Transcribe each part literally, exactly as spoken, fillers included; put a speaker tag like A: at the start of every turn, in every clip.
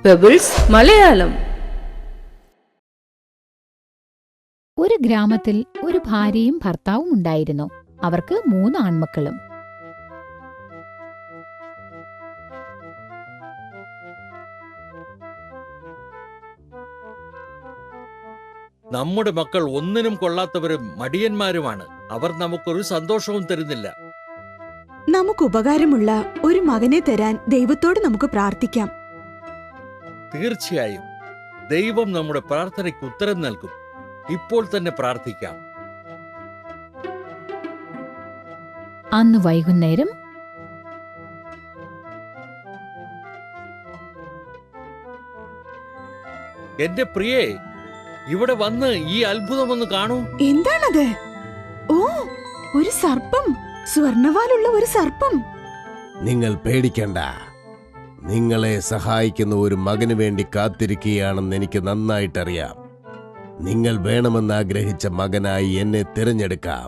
A: Pebbles Malayalam.
B: ഒരു ഗ്രാമത്തിൽ ഒരു ഭാര്യയും ഭർത്താവും ഉണ്ടായിരുന്നു. അവർക്ക് മൂന്ന് ആൺമക്കളും.
C: നമ്മുടെ മക്കൾ ഒന്നിനും കൊള്ളാത്തവരും മടിയന്മാരുമാണ്. അവർ നമുക്കൊരു സന്തോഷവും തരുന്നില്ല.
D: നമുക്ക് ഉപകാരമുള്ള ഒരു മകനെ തരാൻ ദൈവത്തോട് നമുക്ക് പ്രാർത്ഥിക്കാം.
C: തീർച്ചയായും ദൈവം നമ്മുടെ പ്രാർത്ഥനയ്ക്ക് ഉത്തരം നൽകും. ഇപ്പോൾ തന്നെ പ്രാർത്ഥിക്കാം.
B: അന്ന് വൈകുന്നേരം
C: എന്റെ പ്രിയേ, ഇവിടെ വന്ന് ഈ അത്ഭുതമൊന്ന് കാണൂ.
D: എന്താണത്? ഓ, ഒരു സർപ്പം, സ്വർണവാലുള്ള ഒരു സർപ്പം.
E: നിങ്ങൾ പേടിക്കണ്ട. നിങ്ങളെ സഹായിക്കുന്ന ഒരു മകന് വേണ്ടി കാത്തിരിക്കുകയാണെന്ന് എനിക്ക് നന്നായിട്ടറിയാം. നിങ്ങൾ വേണമെന്ന് ആഗ്രഹിച്ച മകനായി എന്നെ തിരഞ്ഞെടുക്കാം.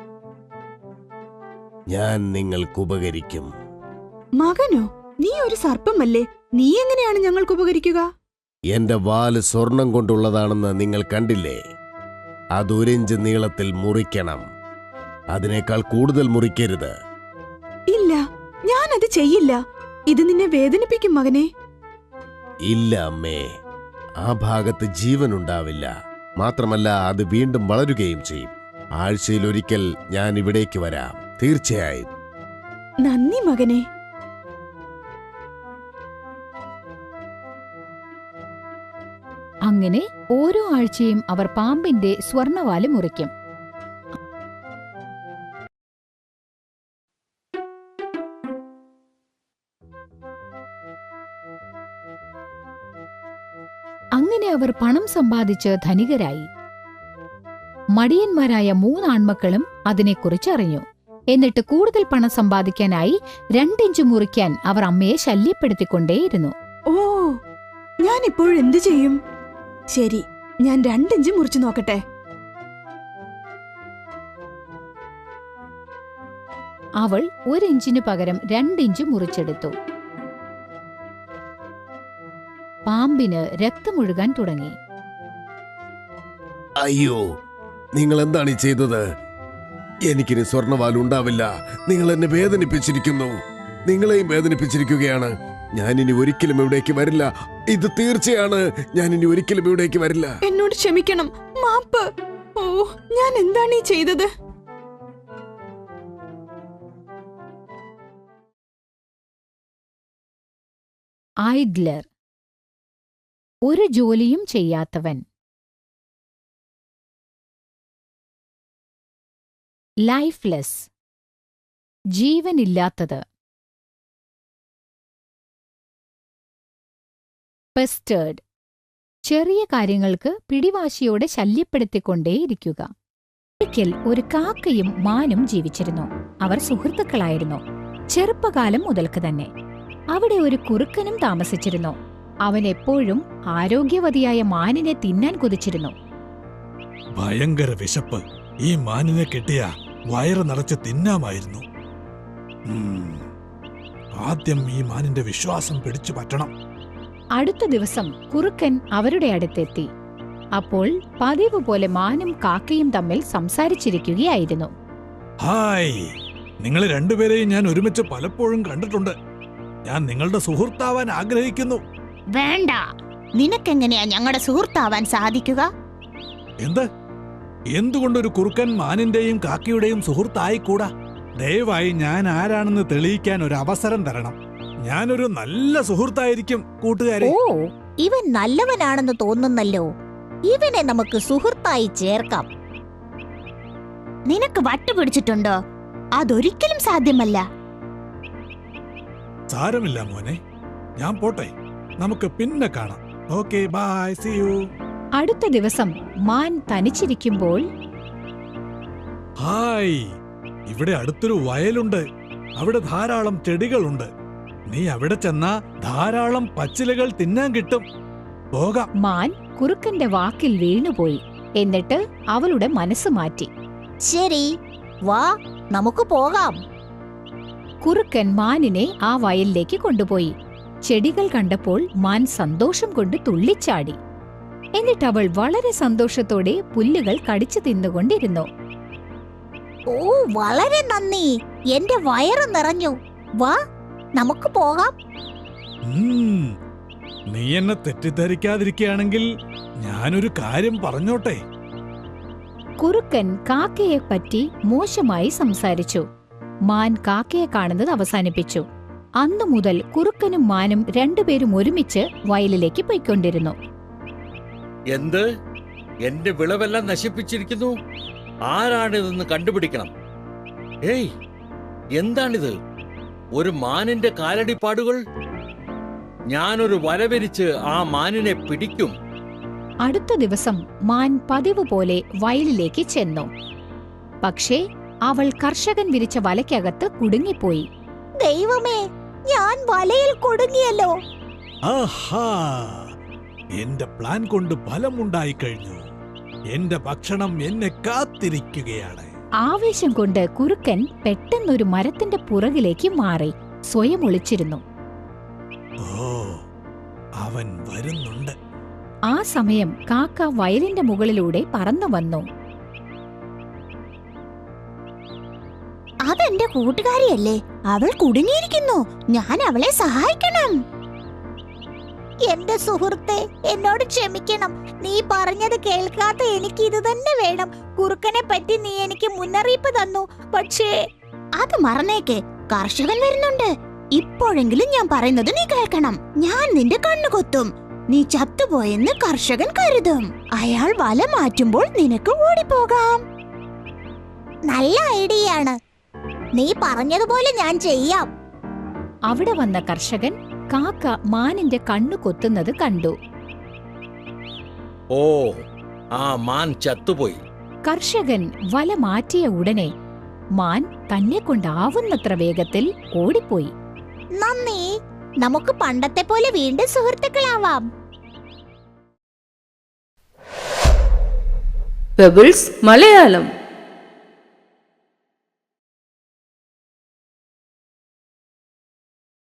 E: ഞാൻ നിങ്ങൾക്ക് ഉപകരിക്കും.
D: മകനോ? നീ ഒരു സർപ്പമല്ലേ? നീ എങ്ങനെയാണ് ഞങ്ങൾക്ക് ഉപകരിക്കുക?
E: എന്റെ വാല് സ്വർണം കൊണ്ടുള്ളതാണെന്ന് നിങ്ങൾ കണ്ടില്ലേ? അതൊരിഞ്ച് നീളത്തിൽ മുറിക്കണം. അതിനേക്കാൾ കൂടുതൽ മുറിക്കരുത്.
D: ഇല്ല, ഞാനത് ചെയ്യില്ല. ഇത് നിന്നെ വേദനിപ്പിക്കും മകനെ.
E: ഇല്ല അമ്മേ, ആ ഭാഗത്ത് ജീവനുണ്ടാവില്ല. മാത്രമല്ല, അത് വീണ്ടും വളരുകയും ചെയ്യും. ആഴ്ചയിൽ ഒരിക്കൽ ഞാൻ ഇവിടേക്ക് വരാം, തീർച്ചയായും.
D: നന്ദി മകനെ.
B: അങ്ങനെ ഓരോ ആഴ്ചയും അവർ പാമ്പിന്റെ സ്വർണവാല് മുറിക്കും. അങ്ങനെ അവർ പണം സമ്പാദിച്ച് ധനികരായി. മടിയന്മാരായ മൂന്നാൺമക്കളും അതിനെക്കുറിച്ച് അറിഞ്ഞു. എന്നിട്ട് കൂടുതൽ പണം സമ്പാദിക്കാനായി രണ്ടിഞ്ച് മുറിക്കാൻ അവർ അമ്മയെ ശല്യപ്പെടുത്തിക്കൊണ്ടേയിരുന്നു.
D: ഓ, ഞാൻ ഇപ്പോഴെന്തു ചെയ്യും? ശരി, ഞാൻ രണ്ടിഞ്ച് മുറിച്ചു നോക്കട്ടെ.
B: അവൾ ഒരിഞ്ചിനു പകരം രണ്ടിഞ്ച് മുറിച്ചെടുത്തു. പാമ്പിന് രക്തമൊഴുകാൻ തുടങ്ങി.
E: അയ്യോ, നിങ്ങൾ എന്താണ് ഈ ചെയ്തത്? എനിക്കിനി സ്വർണവാൽ ഉണ്ടാവില്ല. നിങ്ങൾ എന്നെ വേദനിപ്പിച്ചിരിക്കുന്നു. നിങ്ങളെയും വേദനിപ്പിച്ചിരിക്കുകയാണ്. ഞാനിനി ഒരിക്കലും ഇവിടേക്ക് വരില്ല. ഇത് തീർച്ചയാണ്. ഞാനിനി ഒരിക്കലും ഇവിടേക്ക് വരില്ല.
D: എന്നോട് ക്ഷമിക്കണം, മാപ്പ്. ഓ, ഞാൻ എന്താണ് ഈ ചെയ്തത്?
B: ഐഡ്ലർ, ഒരു ജോലിയും ചെയ്യാത്തവൻ. ലൈഫ്ലെസ്, ജീവനില്ലാത്തത്. പെസ്റ്റേർഡ്, ചെറിയ കാര്യങ്ങൾക്ക് പിടിവാശിയോടെ ശല്യപ്പെടുത്തിക്കൊണ്ടേയിരിക്കുക. ഒരിക്കൽ ഒരു കാക്കയും മാനും ജീവിച്ചിരുന്നു. അവർ സുഹൃത്തുക്കളായിരുന്നു, ചെറുപ്പകാലം മുതൽക്ക് തന്നെ. അവിടെ ഒരു കുറുക്കനും താമസിച്ചിരുന്നു. അവൻ എപ്പോഴും ആരോഗ്യവതിയായ മാനിനെ തിന്നാൻ കൊതിച്ചിരുന്നു.
F: ഭയങ്കര വിശപ്പ്. ഈ മാനിനെ കിട്ടിയ വയറ് നിറച്ച് തിന്നാമായിരുന്നു. ആദ്യം ഈ മാനിന്റെ വിശ്വാസം പിടിച്ചു പറ്റണം.
B: അടുത്ത ദിവസം കുറുക്കൻ അവരുടെ അടുത്തെത്തി. അപ്പോൾ പതിവ് പോലെ മാനും കാക്കയും തമ്മിൽ സംസാരിച്ചിരിക്കുകയായിരുന്നു.
F: ഹായ്, നിങ്ങൾ രണ്ടുപേരെയും ഞാൻ ഒരുമിച്ച് പലപ്പോഴും കണ്ടിട്ടുണ്ട്. ഞാൻ നിങ്ങളുടെ സുഹൃത്താവാൻ ആഗ്രഹിക്കുന്നു.
G: വേണ്ട, നിനക്കെങ്ങനെയാ ഞങ്ങളുടെ സുഹൃത്താവാൻ സാധിക്കുക?
F: എന്ത്? എന്തുകൊണ്ടൊരു കുറുക്കൻ മാനിന്റെയും കാക്കയുടെയും സുഹൃത്തായിക്കൂടാ? ദയവായി ഞാൻ ആരാണെന്ന് തെളിയിക്കാൻ ഒരു അവസരം തരണം. ഞാനൊരു നല്ല സുഹൃത്തായിരിക്കും കൂട്ടുകാരെ.
G: ഓ, ഇവൻ നല്ലവനാണെന്ന് തോന്നുന്നല്ലോ. ഇവനെ നമുക്ക് സുഹൃത്തായി ചേർക്കാം. നിനക്ക് വട്ടുപിടിച്ചിട്ടുണ്ടോ? അതൊരിക്കലും സാധ്യമല്ല.
F: സാരമില്ല മോനെ, ഞാൻ പോട്ടെ. നമുക്ക് പിന്നെ കാണാം. Okay, bye, see you.
B: അടുത്ത ദിവസം മാൻ തനിച്ചിരിക്കുമ്പോൾ,
F: ഹായ്, ഇവിടെ അടുത്തൊരു വയലുണ്ട്. അവിടെ ധാരാളം ചെടികളുണ്ട്. നീ അവിടെ ചെന്നാ ധാരാളം പച്ചിലകൾ തിന്നാൻ കിട്ടും. പോകാം.
B: മാൻ കുറുക്കന്റെ വാക്കിൽ വീണുപോയി. എന്നിട്ട് അവളുടെ മനസ്സ് മാറ്റി.
G: ശരി, വാ, നമുക്ക് പോകാം.
B: കുറുക്കൻ മാനിനെ ആ വയലിലേക്ക് കൊണ്ടുപോയി. ചെടികൾ കണ്ടപ്പോൾ മാൻ സന്തോഷം കൊണ്ട് തുള്ളിച്ചാടി. എന്നിട്ട് അവൾ വളരെ സന്തോഷത്തോടെ പുല്ലുകൾ കടിച്ചു തിന്നുകൊണ്ടിരുന്നു.
G: ഓ, വളരെ നന്ദി. എന്റെ വയറ് നിറഞ്ഞു. വാ, നമുക്ക് പോകാം.
F: ഉം, നീ എന്നെ തെറ്റിദ്ധരിക്കാതിരിക്കുകയാണെങ്കിൽ ഞാനൊരു കാര്യം പറഞ്ഞോട്ടെ.
B: കുറുക്കൻ കാക്കയെ പറ്റി മോശമായി സംസാരിച്ചു. മാൻ കാക്കയെ കാണുന്നത് അവസാനിപ്പിച്ചു. അന്നു മുതൽ കുറുക്കനും മാനും രണ്ടുപേരും ഒരുമിച്ച് വയലിലേക്ക് പോയിക്കൊണ്ടിരുന്നു.
C: എന്ത്? എന്റെ വിളവെല്ലാം നശിപ്പിച്ചിരിക്കുന്നു. ആരാണിതെന്ന് കണ്ടുപിടിക്കണം. ഏയ്, എന്താണിത്? ഒരു മാനിന്റെ കാലടിപ്പാടുകൾ. ഞാനൊരു വലവരിച്ച് ആ മാനിനെ പിടിക്കും.
B: അടുത്ത ദിവസം മാൻ പതിവ് പോലെ വയലിലേക്ക് ചെന്നു. പക്ഷേ അവൾ കർഷകൻ വിരിച്ച വലയ്ക്കകത്ത് കുടുങ്ങിപ്പോയി.
G: ദൈവമേ, ഞാൻ വലയിൽ കുടുങ്ങിയല്ലോ.
F: ആഹാ, എന്റെ പ്ലാൻ കൊണ്ട് ഫലമുണ്ടായി കഴിഞ്ഞു. എന്റെ ഭക്ഷണം എന്നെ കാത്തിരിക്കുകയാണ്.
B: ആവേശം കൊണ്ട് കുറുക്കൻ പെട്ടെന്നൊരു മരത്തിന്റെ പുറകിലേക്ക് മാറി സ്വയം ഒളിച്ചിരുന്നു.
F: ഓ, അവൻ വരുന്നുണ്ട്.
B: ആ സമയം കാക്ക വയലിന്റെ മുകളിലൂടെ പറന്നു വന്നു.
G: അതെന്റെ കൂട്ടുകാരിയല്ലേ? അവൾ കുടുങ്ങിയിരിക്കുന്നു. ഞാൻ അവളെ സഹായിക്കണം. എന്റെ സുഹൃത്തെ, എന്നോട് ക്ഷമിക്കണം. നീ പറഞ്ഞത് കേൾക്കാത്ത എനിക്ക് ഇത് തന്നെ വേണം. കുറുക്കനെ പറ്റി നീ എനിക്ക് മുന്നറിയിപ്പ് തന്നു. പക്ഷേ അത് മറന്നേക്ക്. കർഷകൻ വരുന്നുണ്ട്. ഇപ്പോഴെങ്കിലും ഞാൻ പറയുന്നത് നീ കേൾക്കണം. ഞാൻ നിന്റെ കണ്ണു കൊത്തും. നീ ചത്തുപോയെന്ന് കർഷകൻ കരുതും. അയാൾ വല മാറ്റുമ്പോൾ നിനക്ക് ഓടിപ്പോകാം. നല്ല ഐഡിയയാണ്. നീ പറഞ്ഞതുപോലെ ഞാൻ ചെയ്യാം.
B: അവിടെ വന്ന കർഷകൻ കാക്ക മാനിന്റെ കണ്ണു കൊത്തുന്നത് കണ്ടു.
C: ഓ, ആ മാൻ ചത്തുപോയി.
B: കർഷകൻ വല മാറ്റിയ ഉടനെ മാൻ തന്നെ കൊണ്ടാവുന്നത്ര വേഗത്തിൽ ഓടിപ്പോയി.
G: നന്ദി. നമുക്ക് പണ്ടത്തെ പോലെ വീണ്ടും സുഹൃത്തുക്കളാവാം.
A: പെബിൾസ് മലയാളം.